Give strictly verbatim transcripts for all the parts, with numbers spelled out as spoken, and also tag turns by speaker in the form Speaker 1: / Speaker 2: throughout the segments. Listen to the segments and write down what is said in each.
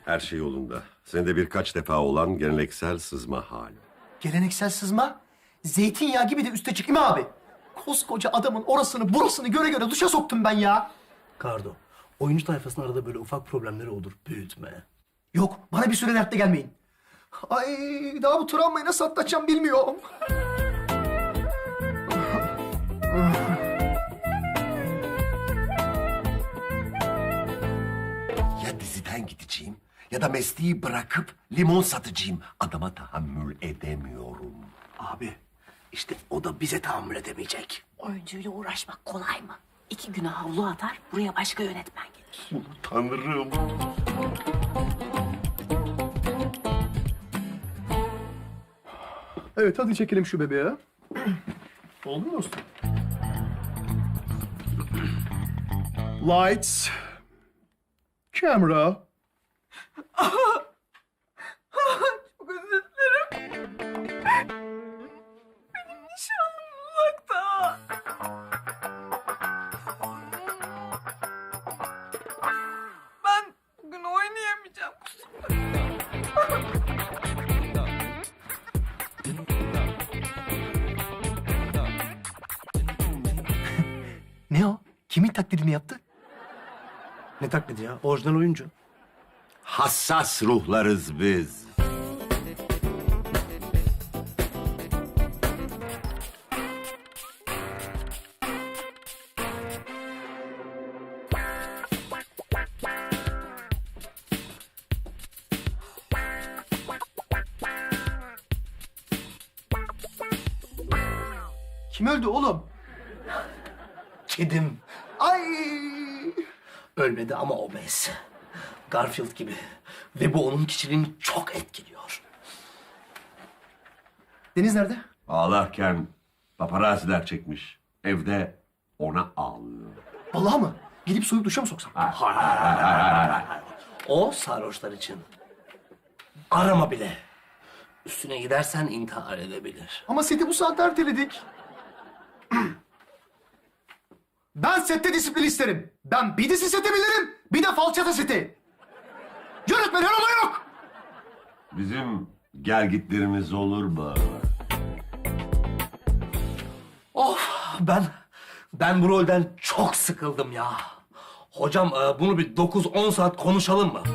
Speaker 1: Her şey yolunda. Senede birkaç defa olan geleneksel sızma hali.
Speaker 2: Geleneksel sızma, zeytinyağı gibi de üste çıkayım abi. Koskoca adamın orasını burasını göre göre duşa soktum ben ya.
Speaker 3: Kardo, oyuncu tayfasının arada böyle ufak problemleri olur. Büyütme.
Speaker 2: Yok, bana bir süre dertte gelmeyin. Ay, daha bu travmayı nasıl atlatacağım bilmiyorum.
Speaker 1: Ya diziden gideceğim ya da mesleği bırakıp limon satıcıyım. Adama tahammül edemiyorum.
Speaker 3: Abi, işte o da bize tahammül edemeyecek.
Speaker 4: Oyuncuyla uğraşmak kolay mı? İki güne havlu atar, buraya başka yönetmen gelir.
Speaker 1: Tanrım.
Speaker 2: Evet, hadi çekelim şu bebeği. Oldu mu dostum? Lights. Camera.
Speaker 4: Çok özür dilerim. Benim nişanlım uzakta. Ben bugün oynayamayacağım.
Speaker 2: Ne o? Kimin taklidini yaptı?
Speaker 3: Ne taklidi ya? Orijinal oyuncu.
Speaker 1: Hassas ruhlarız biz.
Speaker 2: Kim öldü oğlum?
Speaker 3: Kedim.
Speaker 2: Ay!
Speaker 3: Ölmedi ama obez. Garfield gibi. Ve bu onun kişiliğini çok etkiliyor.
Speaker 2: Deniz nerede?
Speaker 1: Ağlarken paparaziler çekmiş. Evde ona ağlıyor.
Speaker 2: Vallahi mı? Gidip soyup duşa mı soksam?
Speaker 3: O sarhoşlar için. Arama bile. Üstüne gidersen intihar edebilir.
Speaker 2: Ama seti bu saatte erteledik. Ben sette disiplin isterim. Ben bir dizi seti bilirim, bir de falçata seti. Yönetmen her olay yok.
Speaker 1: Bizim gelgitlerimiz olur mu?
Speaker 3: Of ben ben bu rolden çok sıkıldım ya. Hocam e, bunu bir dokuz on saat konuşalım mı?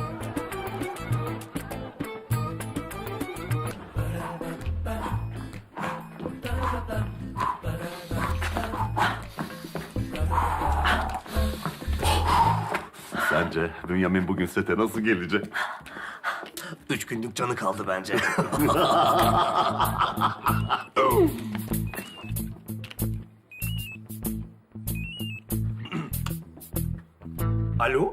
Speaker 1: Sence Bünyamin bugün sete nasıl gelecek?
Speaker 3: Üç günlük canı kaldı bence. Alo?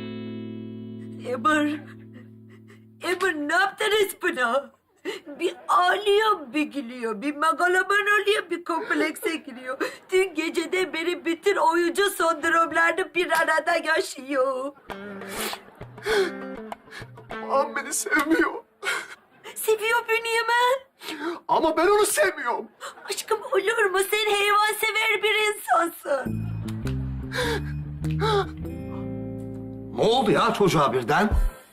Speaker 5: Emir, Emir ne yaptınız buna? Bir ağlıyor, bir gülüyor, bir megaloman oluyor, bir komplekse giriyor. Dün geceden beri bütün oyuncu sendromlarını bir arada yaşıyor.
Speaker 2: Ağam beni sevmiyor.
Speaker 5: Seviyor Bünyamin.
Speaker 2: Ama ben onu sevmiyorum.
Speaker 5: Aşkım olur mu? Sen hayvansever bir insansın.
Speaker 3: Ne oldu ya çocuğa birden?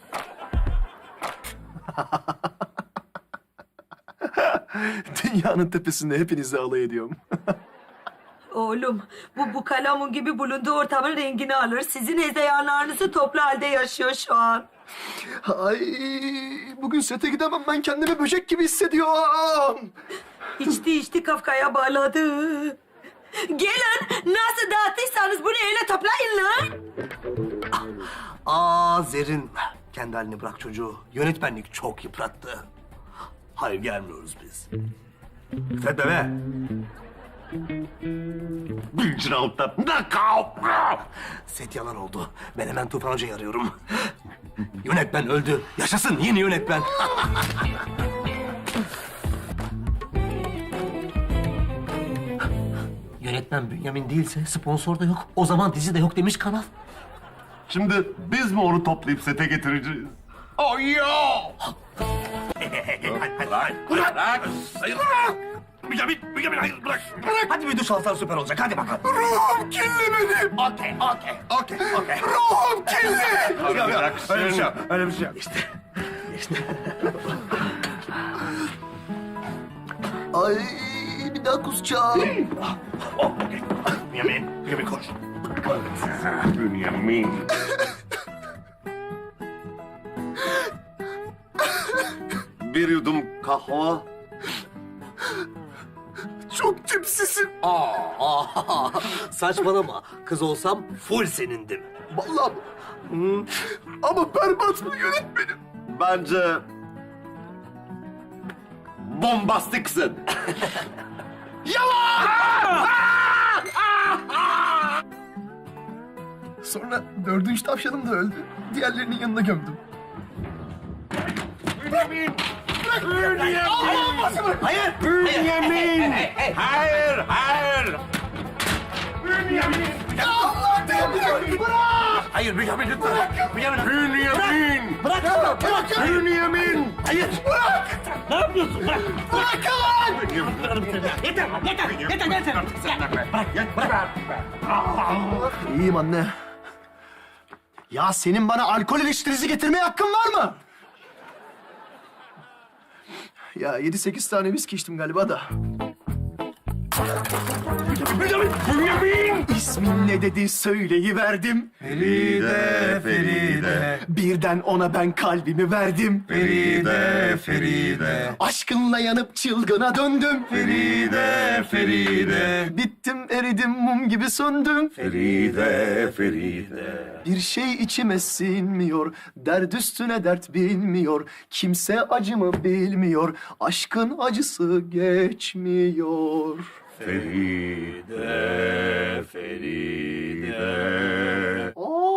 Speaker 2: Dünyanın tepesinde hepinizle alay ediyorum.
Speaker 5: Oğlum, bu bu kalamun gibi bulunduğu ortamın rengini alır. Sizin hezeyanlarınızı toplu halde yaşıyor şu an.
Speaker 2: Ay, bugün sete gidemem. Ben kendimi böcek gibi hissediyorum.
Speaker 5: İçti içti Kafka'ya bağladı. Gelin nasıl dağıttıysanız bunu öyle toplayın lan.
Speaker 3: Aa Zerrin. Kendi halini bırak çocuğu. Yönetmenlik çok yıprattı. Hayır gelmiyoruz biz. Fed bebe.
Speaker 1: Bilcinalt'ta
Speaker 3: Set yalan oldu. Ben hemen Tufan Hoca'yı arıyorum. Yönetmen öldü. Yaşasın yeni yönetmen. Yönetmen Bünyamin değilse sponsor da yok. O zaman dizi de yok demiş kanal.
Speaker 1: Şimdi biz mi onu toplayıp sete getireceğiz? Oh ya! Bırak, bırak.
Speaker 3: Hayır. Bünyamin, Bünyamin hayır bırak. Bırak. Hadi bir duş alsan süper olacak. Hadi bakalım.
Speaker 1: Ruhum kirli benim.
Speaker 3: Okey, okey.
Speaker 1: Okey, okey. Ruhum kirli.
Speaker 3: Yok, yok,
Speaker 1: Bıraksın.
Speaker 3: öyle bir şey yok. Öyle bir şey yok. İşte. İşte.
Speaker 2: Ay bir daha kusacağım.
Speaker 3: Oh, okey. Bünyamin, Bünyamin koş.
Speaker 1: Bünyamin. Bir yudum kahve. Çok tipsizim.
Speaker 3: Aa, aa, saçmalama. Kız olsam full senindim.
Speaker 2: Vallahi mı? Ama berbat mı yönetmenim?
Speaker 1: Bence bombastiksin.
Speaker 2: Sonra dördüncü tavşanım da öldü. Diğerlerinin yanına gömdüm.
Speaker 3: Hayır.
Speaker 1: Bünyamin. Hayır, hayır.
Speaker 3: Hayır Bünyamin lütfen. Bünyamin.
Speaker 1: Bünyamin.
Speaker 3: Bırak. Bırak.
Speaker 1: Bünyamin.
Speaker 3: Hayır. Bırak. Ne yapıyorsun? Bırak. Bırak lan. Yeter. Yeter. Yeter. Yeter. Bırak. Bırak.
Speaker 2: İyiyim anne. Ya senin bana alkol eleştirisi getirmeye hakkın var mı? Ya yedi sekiz tane viski içtim galiba da.
Speaker 1: Bünyamin. Bünyamin.
Speaker 2: İsmin ne dedi söyleyiverdim.
Speaker 1: Feride, Feride.
Speaker 2: Birden ona ben kalbimi verdim.
Speaker 1: Feride, Feride.
Speaker 2: Aşkınla yanıp çılgına döndüm.
Speaker 1: Feride, Feride.
Speaker 2: Bittim eridim mum gibi söndüm.
Speaker 1: Feride, Feride.
Speaker 2: Bir şey içime sinmiyor. Dert üstüne dert bilmiyor. Kimse acımı bilmiyor. Aşkın acısı geçmiyor.
Speaker 1: Feride, Feride.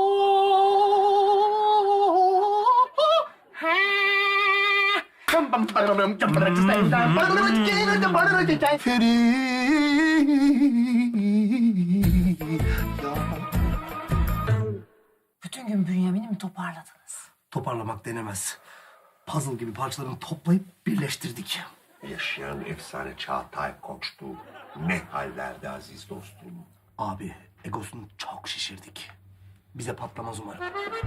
Speaker 4: Bütün gün Bünyamin'i mi toparladınız?
Speaker 3: Toparlamak denemez. Puzzle gibi parçalarını toplayıp birleştirdik.
Speaker 1: Yaşayan efsane Çağatay Koç'tu. Ne hallerde aziz dostum.
Speaker 3: Abi egosunu çok şişirdik. Bize patlamaz umarım.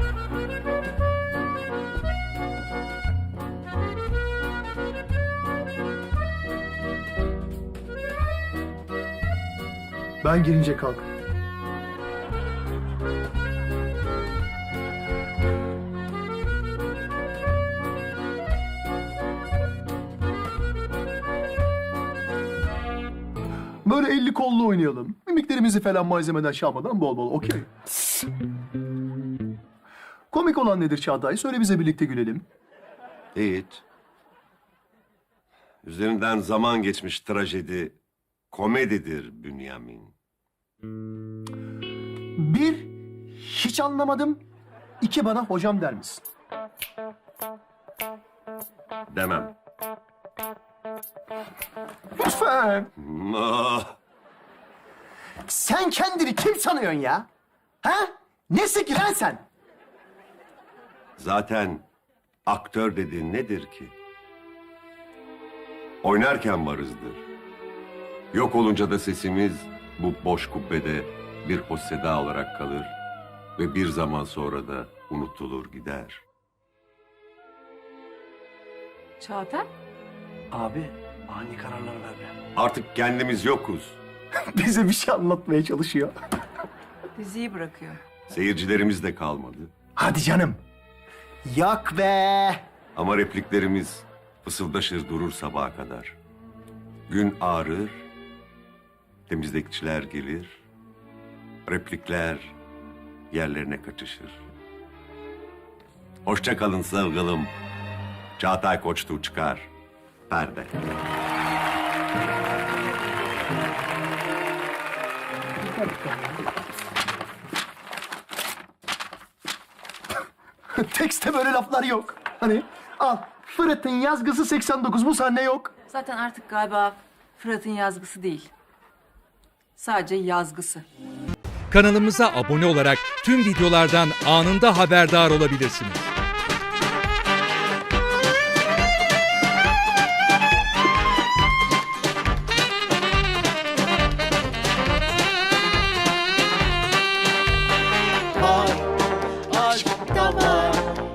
Speaker 2: Ben girince kalk. Böyle elli kollu oynayalım. Mimiklerimizi falan malzemeden şey yapmadan bol bol, okey. Komik olan nedir Çağatay? Söyle bize birlikte gülelim.
Speaker 1: Hiç. Üzerinden zaman geçmiş trajedi komedidir Bünyamin.
Speaker 2: Bir, hiç anlamadım. İki, bana hocam der misin?
Speaker 1: Demem.
Speaker 2: Lütfen.
Speaker 1: Ah,
Speaker 2: Sen kendini kim sanıyorsun ya? Ha? Nesin ki lan sen?
Speaker 1: zaten aktör dediğin nedir ki? Oynarken varızdır. Yok olunca da sesimiz bu boş kubbede bir hoş seda olarak kalır ve bir zaman sonra da unutulur gider.
Speaker 4: Çağatay?
Speaker 3: Abi ani kararlar verme.
Speaker 1: Artık kendimiz yokuz.
Speaker 2: Bize bir şey anlatmaya çalışıyor.
Speaker 4: Diziyi bırakıyor.
Speaker 1: Seyircilerimiz de kalmadı.
Speaker 2: Hadi canım. Yok be.
Speaker 1: Ama repliklerimiz fısıldaşır durur sabaha kadar. Gün ağrır, temizlikçiler gelir, replikler yerlerine kaçışır. Hoşça kalın sevgilim. Çağatay Koçtu çıkar. Perde.
Speaker 2: Tekste böyle laflar yok. Hani al Fırat'ın yazgısı seksen dokuz, bu sahne yok.
Speaker 6: Zaten artık galiba Fırat'ın yazgısı değil. Sadece yazgısı.
Speaker 7: Kanalımıza abone olarak tüm videolardan anında haberdar olabilirsiniz.